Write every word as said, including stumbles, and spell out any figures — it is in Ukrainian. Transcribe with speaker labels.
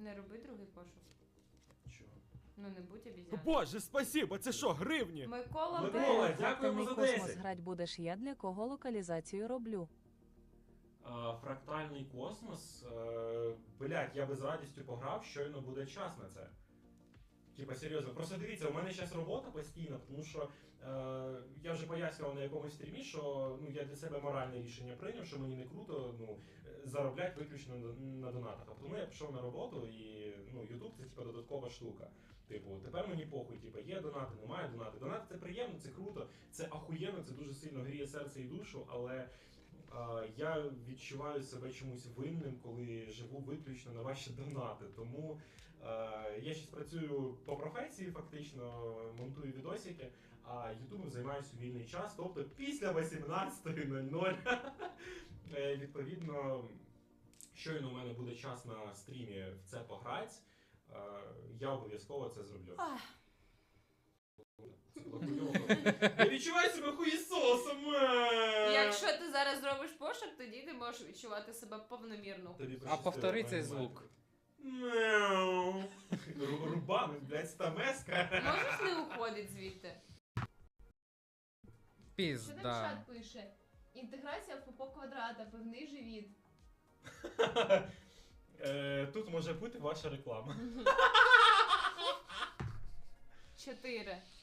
Speaker 1: Не роби другий пошук.
Speaker 2: Чого?
Speaker 1: Ну не будь обізяною.
Speaker 3: Боже, спасибо, це що, гривні?
Speaker 1: Микола
Speaker 2: Микола,
Speaker 1: Б.
Speaker 2: дякуємо за
Speaker 4: Фрактальний космос
Speaker 2: десять.
Speaker 4: грать будеш я, для кого локалізацію роблю.
Speaker 2: А, фрактальний космос. Е, блять, я би з радістю пограв, щойно буде час на це. Типа, серйозно. Просто дивіться, у мене зараз робота постійна, тому що е, я вже пояснював на якомусь стрімі, що ну, я для себе моральне рішення прийняв, що мені не круто ну, заробляти виключно на, на донатах. А тому я пішов на роботу і ну, YouTube це типа додаткова штука. Типу, тепер мені похуй, типу, є донати, немає донати. Донати це приємно, це круто, це ахуєнно, це дуже сильно гріє серце і душу, але а, я відчуваю себе чомусь винним, коли живу виключно на ваші донати. Тому а, я зараз працюю по професії, фактично, монтую відосики, а ютубом займаюся у вільний час, тобто після вісімнадцятої нуль нуль. Е, Відповідно, щойно у мене буде час на стрімі в це пограти, е, я обов'язково це зроблю.
Speaker 1: Ах.
Speaker 2: Це було хуйово. Я відчуваю себе хуєсосом! е!
Speaker 1: Якщо ти зараз зробиш пошук, тоді ти можеш відчувати себе повномірно.
Speaker 2: Тобі
Speaker 5: А
Speaker 2: пощастило,
Speaker 5: повтори цей
Speaker 2: пані
Speaker 5: звук.
Speaker 2: Мяу. Ру- Рубами, блядь, стамеска.
Speaker 1: Можеш не уходити звідти?
Speaker 6: Що там
Speaker 5: Пізда.
Speaker 6: чат пише? Інтеграція в попо квадрата, певний живіт.
Speaker 2: Е, Тут може бути ваша реклама.
Speaker 1: Чотири.